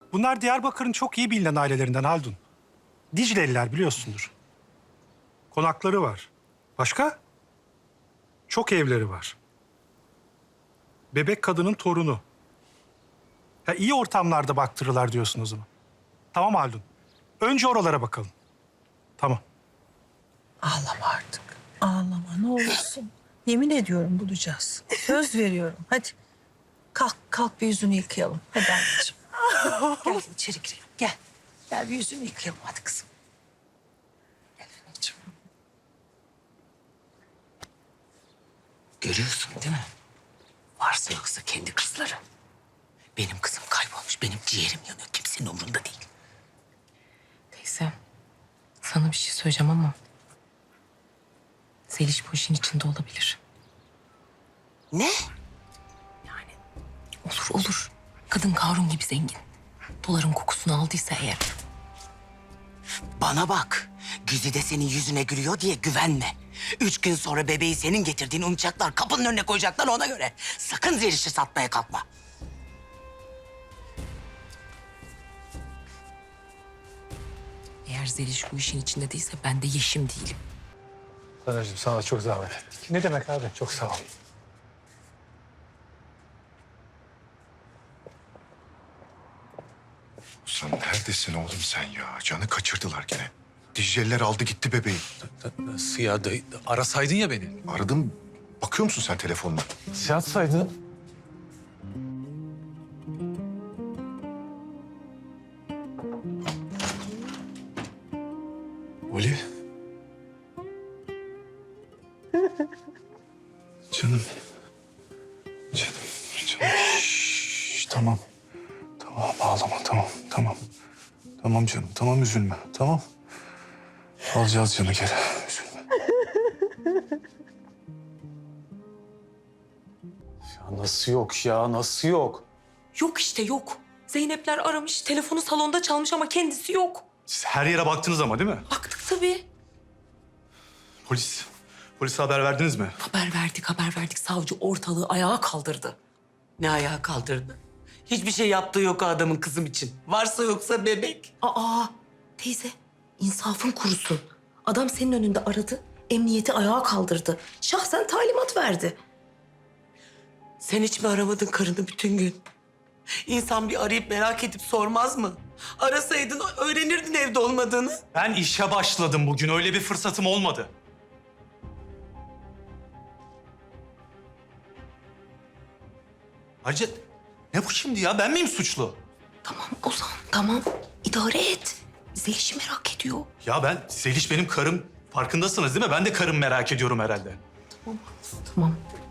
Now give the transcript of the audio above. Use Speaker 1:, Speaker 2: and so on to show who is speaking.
Speaker 1: Bunlar Diyarbakır'ın çok iyi bilinen ailelerinden Haldun. Dicleliler biliyorsundur. Konakları var. Başka? Çok evleri var. Bebek kadının torunu. Ya iyi ortamlarda baktırırlar diyorsun o zaman. Tamam Haldun. Önce oralara bakalım. Tamam.
Speaker 2: Ağlama artık. Ağlama ne olursun. Yemin ediyorum bulacağız. Söz veriyorum. Hadi kalk bir yüzünü yıkayalım. Hadi anneciğim. Gel içeri girelim. Gel. Gel bir yüzünü yıkayalım hadi kızım. Gel anneciğim.
Speaker 3: Görüyorsun değil mi? Varsa yoksa kendi kızları. Benim kızım kaybolmuş, benim ciğerim yanıyor. Kimsenin umurunda değil.
Speaker 4: Teyze, sana bir şey söyleyeceğim ama... Zeliş bu işin içinde olabilir.
Speaker 3: Ne?
Speaker 4: Yani olur. Kadın Karun gibi zengin. Doların kokusunu aldıysa eğer...
Speaker 3: Bana bak. Güzide senin yüzüne gülüyor diye güvenme. 3 gün sonra bebeği senin getirdiğini unutacaklar. Kapının önüne koyacaklar ona göre. Sakın Zeliş'i satmaya kalkma.
Speaker 4: Eğer Zeliş bu işin içinde değilse ben de Yeşim değilim.
Speaker 1: Sanacığım sana çok zahmet ettik. Ne demek abi? Çok sağ ol.
Speaker 5: Sen neredesin oğlum sen ya? Canı kaçırdılar gene. Dicle'liler aldı gitti bebeği.
Speaker 6: Nasıl ya? Arasaydın ya beni.
Speaker 5: Aradım. Bakıyor musun sen telefonuna?
Speaker 6: Yatsaydın.
Speaker 5: Oli. Canım. Canım. Şşş, tamam. Tamam ağlama tamam. Tamam canım tamam üzülme tamam. Alacağız canı geri üzülme.
Speaker 6: Ya nasıl yok ya? Nasıl yok?
Speaker 4: Yok işte yok. Zeynepler aramış, telefonu salonda çalmış ama kendisi yok.
Speaker 6: Siz her yere baktınız ama değil mi?
Speaker 4: Baktık tabii.
Speaker 6: Polise haber verdiniz mi?
Speaker 4: Haber verdik. Savcı ortalığı ayağa kaldırdı.
Speaker 3: Ne ayağa kaldırdı? Hiçbir şey yaptığı yok o adamın kızım için. Varsa yoksa bebek.
Speaker 4: Aa, teyze, insafın kurusun. Adam senin önünde aradı, emniyeti ayağa kaldırdı. Şahsen talimat verdi.
Speaker 3: Sen hiç mi aramadın karını bütün gün? İnsan bir arayıp merak edip sormaz mı? Arasaydın öğrenirdin evde olmadığını.
Speaker 6: Ben işe başladım bugün. Öyle bir fırsatım olmadı. Ayrıca ne bu şimdi ya? Ben miyim suçlu?
Speaker 4: Tamam Ozan, tamam. İdare et. Zeliş'i merak ediyor.
Speaker 6: Ya ben, Zeliş benim karım. Farkındasınız değil mi? Ben de karım merak ediyorum herhalde.
Speaker 4: Tamam.